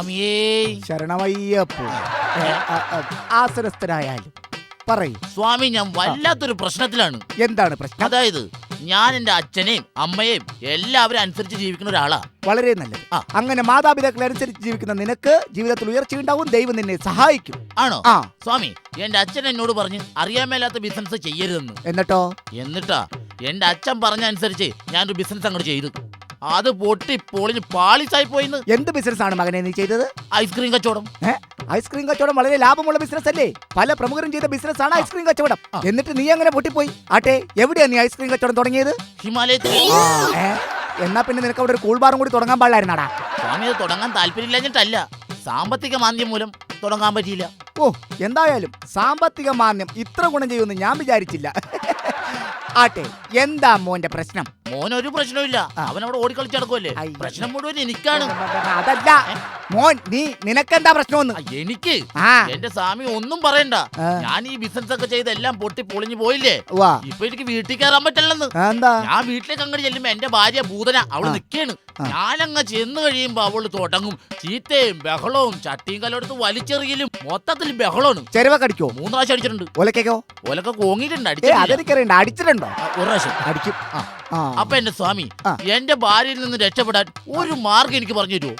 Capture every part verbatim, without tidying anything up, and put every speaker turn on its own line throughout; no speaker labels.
സ്വാമിയേ
ശരണമയ്യപ്പോ. ആസനസ്ഥനായാലും പറയൂ
സ്വാമി. ഞാൻ വല്ലാത്തൊരു പ്രശ്നത്തിലാണ്.
എന്താണ് പ്രശ്നം?
അതായത് ഞാൻ എന്റെ അച്ഛനെയും അമ്മയെയും എല്ലാവരും അനുസരിച്ച് ജീവിക്കുന്ന ഒരാളാ.
വളരെ നല്ലത്. അങ്ങനെ മാതാപിതാക്കളെ അനുസരിച്ച് ജീവിക്കുന്ന നിനക്ക് ജീവിതത്തിൽ ഉയർച്ചയുണ്ടാവും. ദൈവം നിന്നെ സഹായിക്കും.
ആണോ? ആ സ്വാമി, എന്റെ അച്ഛൻ എന്നോട് പറഞ്ഞ് അറിയാൻ മേലാത്ത ബിസിനസ് ചെയ്യരുതെന്ന്.
എന്നിട്ടോ?
എന്നിട്ടാ എന്റെ അച്ഛൻ പറഞ്ഞ അനുസരിച്ച് ഞാനൊരു ബിസിനസ് അങ്ങോട്ട് ചെയ്തു. അത് പൊട്ടി പൊളിഞ്ഞ് പാളിസായി പോയിന്ന്.
എന്ത് ബിസിനസ് ആണ് മകനെ നീ ചെയ്തത്?
ഐസ്ക്രീം കച്ചവടം.
ഐസ്ക്രീം കച്ചവടം വളരെ ലാഭമുള്ള ബിസിനസ് അല്ലേ? പല പ്രമുഖരും ചെയ്ത ബിസിനസ് ആണ് ഐസ്ക്രീം കച്ചവടം. എന്നിട്ട് നീ അങ്ങനെ പൊട്ടിപ്പോയി. ആട്ടെ, എവിടെയാ നീ ഐസ്ക്രീം കച്ചവടം തുടങ്ങിയത്?
ഹിമാലയത്തിൽ.
എന്നാ പിന്നെ നിനക്ക് അവിടെ ഒരു കൂൾ ബാറും കൂടി തുടങ്ങാൻ പാടില്ലായിരുന്നാടാ?
സ്വാമി, അത് തുടങ്ങാൻ താല്പര്യമില്ലാഞ്ഞിട്ടല്ല, സാമ്പത്തിക മാന്ദ്യം മൂലം തുടങ്ങാൻ പറ്റിയില്ല.
ഓ, എന്തായാലും സാമ്പത്തിക മാന്ദ്യം ഇത്ര ഗുണം ചെയ്യുമെന്ന് ഞാൻ വിചാരിച്ചില്ല. ആട്ടെ, എന്താ മോന്റെ പ്രശ്നം?
മോൻ ഒരു പ്രശ്നമില്ല, അവൻ അവിടെ ഓടിക്കളിച്ച് നടക്കുമല്ലേ. പ്രശ്നം മുഴുവൻ എനിക്കാണ്.
അതല്ല മോൻ, നീ നിനക്കെന്താ പ്രശ്നമൊന്നും?
എനിക്ക് എന്റെ സ്വാമി ഒന്നും പറയണ്ട. ഞാൻ ഈ ബിസിനസ് ഒക്കെ ചെയ്ത് എല്ലാം പൊട്ടി പൊളിഞ്ഞു പോയില്ലേ. ഇപ്പൊ എനിക്ക് വീട്ടിൽ കയറാൻ പറ്റില്ലെന്ന്. ഞാൻ വീട്ടിലേക്ക് അങ്ങോട്ട് ചെല്ലുമ്പോ എന്റെ ഭാര്യ ഭൂതന അവള് നിക്കാണ്. ഞാനങ്ങ് ചെന്ന് കഴിയുമ്പോ അവള് തുടങ്ങും ചീത്തയും ബഹളവും, ചട്ടിയും കലോടത്ത് വലിച്ചെറിയലും, മൊത്തത്തിൽ ബഹളമാണ്.
ചെരുവ കടിക്കോ?
മൂന്ന് പ്രാവശ്യം അടിച്ചിട്ടുണ്ട്.
ഒലക്കോ?
ഒലക്ക കോങ്ങിയിട്ടുണ്ട്.
അടിച്ചിട്ടുണ്ട്. അടിച്ചിട്ടുണ്ടോ?
ഒരു പ്രാവശ്യം
അടിക്കും.
അപ്പൊ എന്റെ സ്വാമി, എന്റെ ഭാര്യയിൽ നിന്ന് രക്ഷപ്പെടാൻ ഒരു മാർഗം എനിക്ക് പറഞ്ഞു തരുമോ?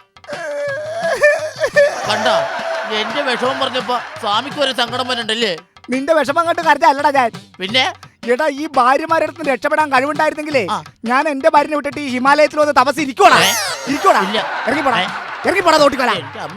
കണ്ട, എന്റെ വിഷമം പറഞ്ഞപ്പോ സ്വാമിക്ക് ഒരു സങ്കടം വരണ്ടല്ലേ?
നിന്റെ വിഷമം കണ്ട് കരുതല്ലടാ ഞാൻ.
പിന്നെ
എടാ, ഈ ഭാര്യമാരുടെ അടുത്ത് രക്ഷപ്പെടാൻ കഴിവുണ്ടായിരുന്നെങ്കിലേ ഞാൻ എന്റെ ഭാര്യനെ വിട്ടിട്ട് ഈ ഹിമാലയത്തിൽ വന്ന് തപസ് ഇരിക്കോടാ. ഇരിക്കോടാ. ഇറങ്ങിപ്പോടാ. ഇറങ്ങിപ്പോടാ തോട്ടിക്കോടാ.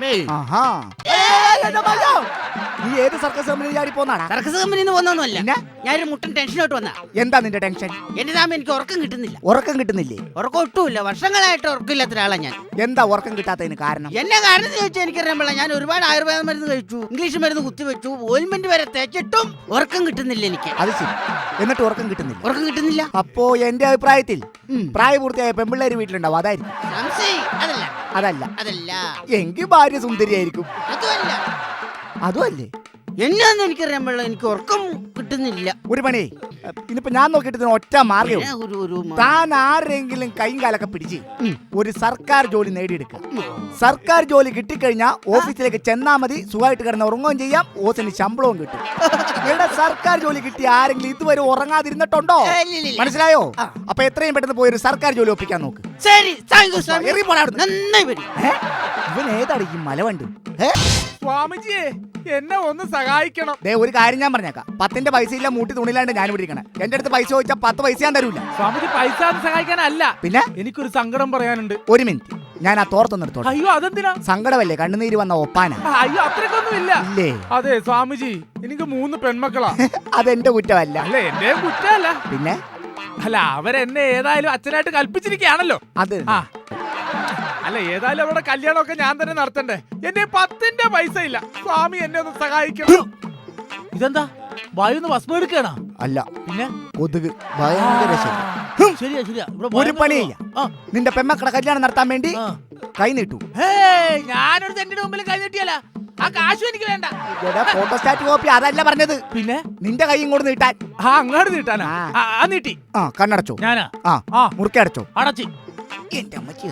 നീ ഏത് സർക്കസ് കമ്പനി ചാടി പോന്നാടാ?
സർക്കസ് കമ്പനിന്ന് പോന്നൊന്നുമല്ല, ഞാനൊരു മുട്ടൻ ടെൻഷനോട്ട് വന്നാ.
എന്താ നിന്റെ ടെൻഷൻ?
എന്റെ സാമ എനിക്ക് ഉറക്കം കിട്ടുന്നില്ല.
ഉറക്കം കിട്ടുന്നില്ലേ?
ഉറക്കം ഒട്ടുമില്ല. വർഷങ്ങളായിട്ട് ഉറക്കമില്ലാത്ത ഒരാളാ ഞാൻ.
എന്താ ഉറക്കം കിട്ടാത്തതിന് കാരണം?
എന്നെ കാരണം ചോദിച്ചാൽ എനിക്കറിയാൻ, ഞാൻ ഒരുപാട് ആയുർവേദ മരുന്ന് കഴിച്ചു, ഇംഗ്ലീഷ് മരുന്ന് കുത്തിവെച്ചു, ഓയിൽമെന്റ് വരെ തേച്ചിട്ടും ഉറക്കം കിട്ടുന്നില്ല എനിക്ക്.
അത് ശരി. എന്നിട്ട് ഉറക്കം കിട്ടുന്നില്ല?
ഉറക്കം കിട്ടുന്നില്ല.
അപ്പോ എന്റെ അഭിപ്രായത്തിൽ പ്രായപൂർത്തിയായ പെമ്പിള്ളേര് വീട്ടിലുണ്ടാവും, അതായിരിക്കും.
അതല്ല
അതല്ല
അതല്ല
എങ്കിൽ ഭാര്യ സുന്ദരിയായിരിക്കും.
അതുമല്ല.
അതുമല്ലേ?
എന്നാന്ന് എനിക്കറിയാൻ പാടില്ല, എനിക്ക് ഉറക്കം കിട്ടുന്നില്ല.
ഒരു പണി, ഇനിയിപ്പോ ഞാൻ നോക്കിയിട്ട് ഒറ്റ മാർഗം, താൻ ആരെങ്കിലും കൈയും കാലൊക്കെ പിടിച്ച് ഒരു സർക്കാർ ജോലി നേടിയെടുക്കുക. സർക്കാർ ജോലി കിട്ടിക്കഴിഞ്ഞാൽ ഓഫീസിലേക്ക് ചെന്നാ മതി, സുഖമായിട്ട് കിടന്ന് ഉറങ്ങുകയും ചെയ്യാം, ഓസിന് ശമ്പളവും കിട്ടും. ഇവിടെ സർക്കാർ ജോലി കിട്ടിയ ആരെങ്കിലും ഇതുവരെ ഉറങ്ങാതിരുന്നിട്ടുണ്ടോ? മനസ്സിലായോ? അപ്പൊ എത്രയും പെട്ടെന്ന് പോയി ഒരു സർക്കാർ ജോലി ഒപ്പിക്കാൻ നോക്ക്. ഇവൻ ഏതാണ് ഈ മലവണ്ട്?
സ്വാമിജിയെ, എന്നെ ഒന്ന് സഹായിക്കണം.
ദേ, ഒരു കാര്യം ഞാൻ പറഞ്ഞേക്കാം, പത്തിന്റെ പൈസ ഇല്ല മൂട്ടി തുണിയിലാണ്ട് ഞാൻ ഇവിടെ ഇരിക്കണേ. എന്റെ അടുത്ത് പൈസ ചോദിച്ചാൽ പത്ത് പൈസ ഞാൻ തരൂല.
സ്വാമിജി, പൈസ സഹായിക്കാനല്ല,
പിന്നെ
എനിക്കൊരു സങ്കടം പറയാനുണ്ട്.
ഒരു മിനിറ്റ്, ഞാൻ ആ തോർത്തൊന്നും എടുത്തോളാം.
അയ്യോ, അതെന്തിനാ?
സങ്കടമല്ലേ, കണ്ണുനീര് വന്ന ഒപ്പാന.
അയ്യോ, അത്രക്കൊന്നും ഇല്ല.
ഇല്ലേ?
അതെ സ്വാമിജി, എനിക്ക് മൂന്ന് പെൺമക്കളാ.
അതെന്റെ കുറ്റമല്ല.
അല്ല, എന്റെ കുറ്റമല്ല.
പിന്നെ
അല്ല, അവരെന്നെ ഏതായാലും അച്ഛനായിട്ട് കൽപ്പിച്ചിരിക്കുകയാണല്ലോ.
അത്
അല്ല, ഏതായാലും അവരുടെ കല്യാണമൊക്കെ ഞാൻ തന്നെ നടത്തണ്ടേ. എന്റെ പത്തിന്റെ പൈസ ഇല്ല. സ്വാമി, എന്നെ ഒന്ന് സഹായിക്കണം. ഇതെന്താ, വായുന്ന് ഭസ്മം എടുക്കണ?
അല്ല,
പിന്നെ
കൊതുക് ഭയങ്കര.
ശരിയാ ശരിയാ.
ഒരു പണി ചെയ്യാം, നിന്റെ പെമ്മക്കടെ കല്യാണം നടത്താൻ വേണ്ടി കൈ നീട്ടു.
ഞാനൊരു തെറ്റിന്റെ മുമ്പിൽ കൈ നീട്ടിയല്ല, ആ കാശും എനിക്ക് വേണ്ട.
ഫോട്ടോസ്റ്റാറ്റ് കോപ്പി അതല്ല പറഞ്ഞത്, പിന്നെ നിന്റെ കൈ ഇങ്ങോട്ട് നീട്ടാൻ.
ആ, അങ്ങോട്ട് നീട്ടാനാ? നീട്ടി.
ആ, കണ്ണടച്ചോ?
ഞാനാ?
ആ, മുറുക്കി അടച്ചോ?
അടച്ചി.
എന്റെ അമ്മച്ചി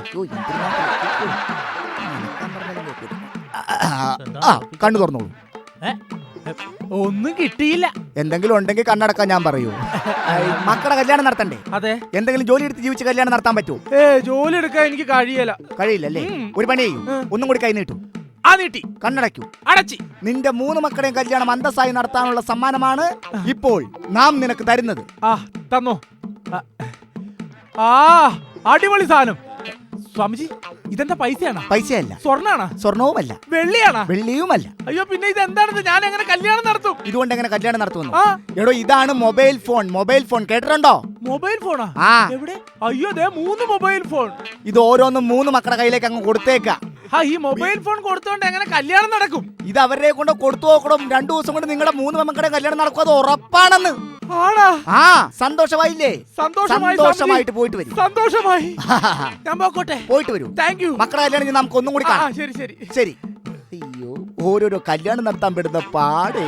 കണ്ണു തുറന്നോളൂ.
ഒന്നും കിട്ടിയില്ല.
എന്തെങ്കിലും ഉണ്ടെങ്കിൽ കണ്ണടക്കാൻ ഞാൻ പറയൂ. മക്കളുടെ കല്യാണം നടത്തണ്ടേ?
അതെ.
എന്തെങ്കിലും ജോലി എടുത്ത് ജീവിച്ച് കല്യാണം നടത്താൻ പറ്റുമോ?
ഏ, ജോലി എടുക്കാൻ എനിക്ക് കഴിയില്ല.
കഴിയില്ലല്ലേ? ഒരു പണി ചെയ്യൂ, ഒന്നും കൂടി കൈ നീട്ടു.
ആ, നീട്ടി.
കണ്ണടയ്ക്കൂ.
അടച്ചി.
നിന്റെ മൂന്ന് മക്കളുടെയും കല്യാണം അന്തസ്സായി നടത്താനുള്ള സമ്മാനമാണ് ഇപ്പോൾ നാം നിനക്ക് തരുന്നത്.
ആ, തന്നോ. ആ, അടിപൊളി സാധനം. സ്വാമിജി, ഇതെന്താ പൈസയാണോ?
പൈസയല്ല.
സ്വർണ്ണാണോ?
സ്വർണവുമല്ല.
വെള്ളിയാണോ?
വെള്ളിയുമല്ല.
അയ്യോ, പിന്നെ ഇത് എന്താണെന്ന്? ഞാൻ എങ്ങനെ കല്യാണം നടത്തും?
ഇതുകൊണ്ട് എങ്ങനെ കല്യാണം നടത്തുന്നു? എടോ, ഇതാണ് മൊബൈൽ ഫോൺ. മൊബൈൽ ഫോൺ കേട്ടിട്ടുണ്ടോ?
മൊബൈൽ ഫോണാ? എവിടെ? അയ്യോ, ദേ മൂന്ന് മൊബൈൽ ഫോൺ.
ഇത് ഓരോന്നും മൂന്ന് മക്കളുടെ കയ്യിലേക്ക് അങ്ങ് കൊടുത്തേക്ക.
ആ, ഈ മൊബൈൽ ഫോൺ കൊടുത്തോണ്ട് എങ്ങനെ കല്യാണം നടക്കും?
ഇത് അവരെ കൊണ്ട് കൊടുത്തു നോക്കണം. രണ്ടു ദിവസം കൊണ്ട് നിങ്ങളുടെ മൂന്ന് മക്കളുടെ കല്യാണം നടക്കും, അത് ഉറപ്പാണെന്ന്. ആ, സന്തോഷമായില്ലേ? സന്തോഷമായിട്ട് പോയിട്ട് വരും.
സന്തോഷമായി. ഞാൻ പോക്കോട്ടെ.
പോയിട്ട് വരൂ.
Thank you.
മക്കളുടെ കല്യാണം നമുക്ക് ഒന്നും കൂടി കാണാം.
ശരി ശരി
ശരി. അയ്യോ, ഓരോരോ കല്യാണം നടത്താൻ പെടുന്ന പാടേ.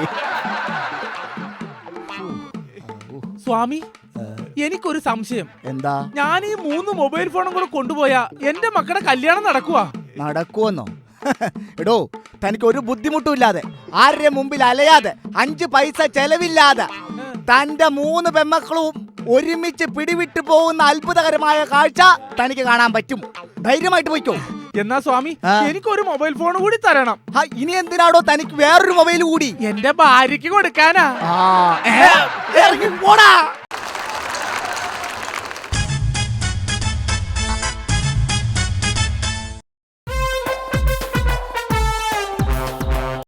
സ്വാമി, എനിക്കൊരു സംശയം.
എന്താ?
ഞാൻ ഈ മൂന്ന് മൊബൈൽ ഫോണും കൂടെ കൊണ്ടുപോയാ എന്റെ മക്കളുടെ കല്യാണം നടക്കുവാ?
നടക്കുവെന്നോ? എടോ തനിക്ക് ഒരു ബുദ്ധിമുട്ടും ഇല്ലാതെ ആരുടെ മുമ്പിൽ അലയാതെ അഞ്ച് പൈസ ചെലവില്ലാതെ തന്റെ മൂന്ന് പെമ്മക്കളും ഒരുമിച്ച് പിടിവിട്ടു പോകുന്ന അത്ഭുതകരമായ കാഴ്ച തനിക്ക് കാണാൻ പറ്റും. ധൈര്യമായിട്ട് പോയിക്കോ.
എന്നാ സ്വാമി എനിക്കൊരു മൊബൈൽ ഫോൺ കൂടി തരണം.
ഇനി എന്തിനാടോ തനിക്ക് വേറൊരു മൊബൈൽ കൂടി?
എന്റെ ഭാര്യക്ക് കൊടുക്കാനാ.
പോടാ.